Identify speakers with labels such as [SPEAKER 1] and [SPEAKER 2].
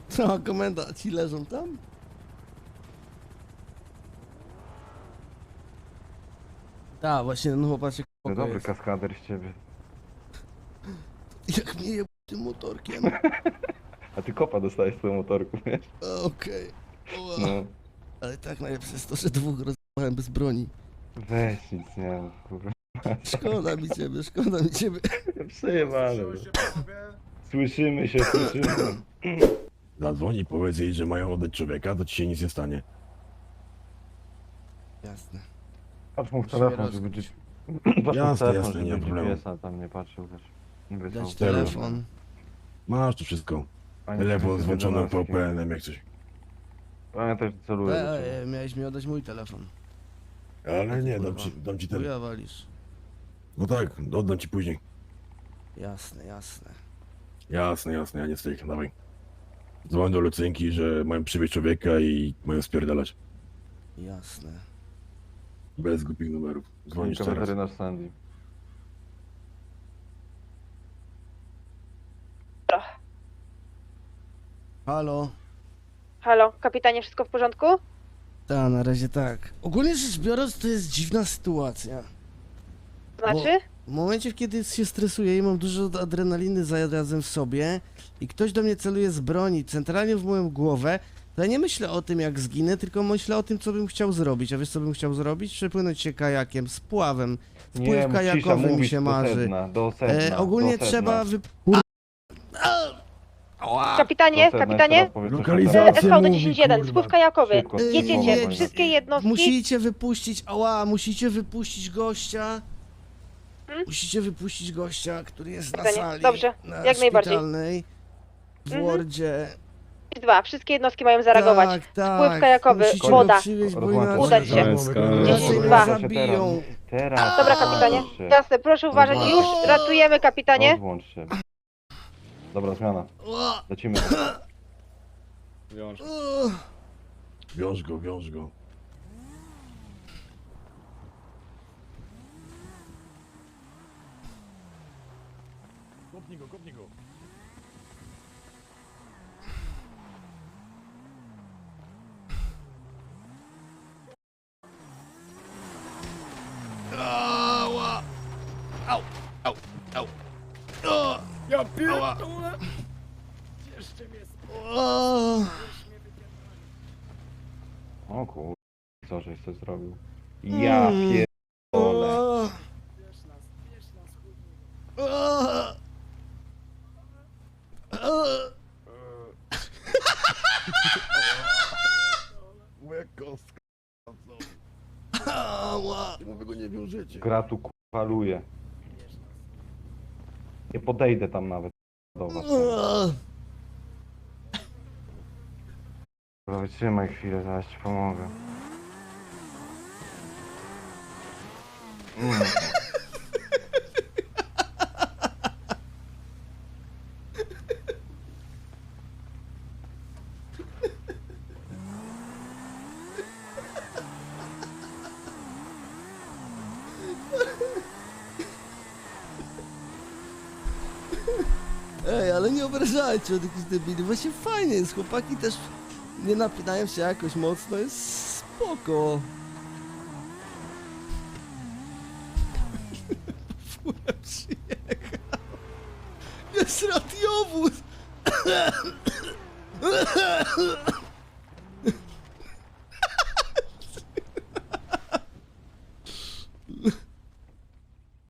[SPEAKER 1] Co, komenda, ci leżą tam? Tak, właśnie, no chłopacie,
[SPEAKER 2] No
[SPEAKER 1] spoko
[SPEAKER 2] dobry
[SPEAKER 1] jest.
[SPEAKER 2] kaskader z ciebie.
[SPEAKER 1] Jak mnie je tym motorkiem.
[SPEAKER 2] A ty kopa dostałeś z tego motorku, wiesz?
[SPEAKER 1] Okej. Ła.
[SPEAKER 2] No.
[SPEAKER 1] Ale tak najlepsze jest to, że dwóch rozjechałem bez broni.
[SPEAKER 2] Weź nic, nie no, kurwa.
[SPEAKER 1] Szkoda mi ciebie, szkoda mi ciebie.
[SPEAKER 2] Przejebane. Słyszymy się, słyszymy.
[SPEAKER 3] Zadzwoń i powiedz jej, że mają oddać człowieka, to ci się nic nie stanie.
[SPEAKER 1] Jasne.
[SPEAKER 2] Patrz mu w
[SPEAKER 1] Musimy
[SPEAKER 2] telefon, żeby...
[SPEAKER 1] rozkuć.
[SPEAKER 2] Patrz mu w
[SPEAKER 3] Jasne,
[SPEAKER 2] telefon,
[SPEAKER 3] jasne, nie
[SPEAKER 2] żeby
[SPEAKER 3] ma problemu.
[SPEAKER 2] GPS-a tam nie patrzył, wiesz. Nie wysłał.
[SPEAKER 1] Dać telefon.
[SPEAKER 3] Masz tu wszystko.
[SPEAKER 2] Ani
[SPEAKER 3] Telefon z włączonym
[SPEAKER 2] 11.
[SPEAKER 3] VPN-em, jak coś.
[SPEAKER 2] Pamiętaj, że celuję do ciebie.
[SPEAKER 1] Miałeś mi oddać mój telefon.
[SPEAKER 3] Ale nie,
[SPEAKER 1] Kurwa.
[SPEAKER 3] dam ci ten.
[SPEAKER 1] Chuja walisz.
[SPEAKER 3] No tak, oddam ci później.
[SPEAKER 1] Jasne, jasne.
[SPEAKER 3] Jasne, jasne, ja nie stoi, dawaj. Dzwoń do Lucynki, że mają przywieźć człowieka i mają spierdalać.
[SPEAKER 1] Jasne.
[SPEAKER 3] Bez głupich numerów. Dzwonisz teraz.
[SPEAKER 2] Weterynarz Sandy.
[SPEAKER 1] Halo?
[SPEAKER 4] Halo, kapitanie, wszystko w porządku?
[SPEAKER 1] Tak, na razie tak. Ogólnie rzecz biorąc, to jest dziwna sytuacja.
[SPEAKER 4] Znaczy?
[SPEAKER 1] W momencie, kiedy się stresuję i mam dużo adrenaliny zarazem w sobie i ktoś do mnie celuje z broni centralnie w moją głowę, to ja nie myślę o tym, jak zginę, tylko myślę o tym, co bym chciał zrobić. A wiesz, co bym chciał zrobić? Przepłynąć się kajakiem, z pławem. Wpływ kajakowy mi się marzy.
[SPEAKER 2] Do sedna,
[SPEAKER 1] Ogólnie
[SPEAKER 2] do sedna.
[SPEAKER 1] trzeba
[SPEAKER 4] Kapitanie,
[SPEAKER 2] Do sedna,
[SPEAKER 4] kapitanie?
[SPEAKER 2] jeszcze raz powiedz, co
[SPEAKER 3] Lokalizacja.
[SPEAKER 4] SV do
[SPEAKER 3] mówi,
[SPEAKER 4] 10-1,
[SPEAKER 3] kurwa.
[SPEAKER 4] spływ kajakowy.
[SPEAKER 2] Szybko,
[SPEAKER 4] Jedziecie,
[SPEAKER 2] szybko,
[SPEAKER 4] wszystkie jednostki.
[SPEAKER 1] Musicie wypuścić, musicie wypuścić gościa. Musicie wypuścić gościa, który jest na
[SPEAKER 4] Pytanie.
[SPEAKER 1] sali.
[SPEAKER 4] Dobrze,
[SPEAKER 1] na
[SPEAKER 4] jak najbardziej.
[SPEAKER 1] szpitalnej, w Wardzie.
[SPEAKER 4] 2, wszystkie jednostki mają zareagować.
[SPEAKER 1] Tak, tak.
[SPEAKER 4] Spływ kajakowy,
[SPEAKER 1] Musicie
[SPEAKER 4] woda.
[SPEAKER 1] go przywieźć, bo
[SPEAKER 2] Rozłączać
[SPEAKER 1] inaczej
[SPEAKER 4] Udać się.
[SPEAKER 1] inaczej mnie
[SPEAKER 4] Dwa.
[SPEAKER 1] zabiją.
[SPEAKER 2] Teraz.
[SPEAKER 4] Dobra, kapitanie.
[SPEAKER 2] Rozłącz się.
[SPEAKER 4] Jasne, proszę uważać. Już ratujemy, kapitanie.
[SPEAKER 2] Rozłącz się. Dobra, zmiana. Lecimy.
[SPEAKER 3] Wiąż go, wiąż go. Kopnij go, kopnij go.
[SPEAKER 1] Ała! Au! Au! Au! O!
[SPEAKER 3] Ja pierdolę!
[SPEAKER 1] O!
[SPEAKER 2] O kur... Co żeś coś zrobił? Ja pierdolę.
[SPEAKER 1] O! O! O!
[SPEAKER 3] Moja kostka.
[SPEAKER 1] Ała!
[SPEAKER 3] Mówię go nie wiążecie.
[SPEAKER 2] Gra tu faluje. Nie podejdę tam nawet do was.
[SPEAKER 1] O!
[SPEAKER 2] Dobra, wytrzymaj chwilę, zaraz ci pomogę.
[SPEAKER 1] Ej, ale nie obrażajcie od jakichś debili. Właśnie fajnie jest, chłopaki też nie napinają się jakoś mocno, jest spoko. Fura przyjechał. Jest radiowóz!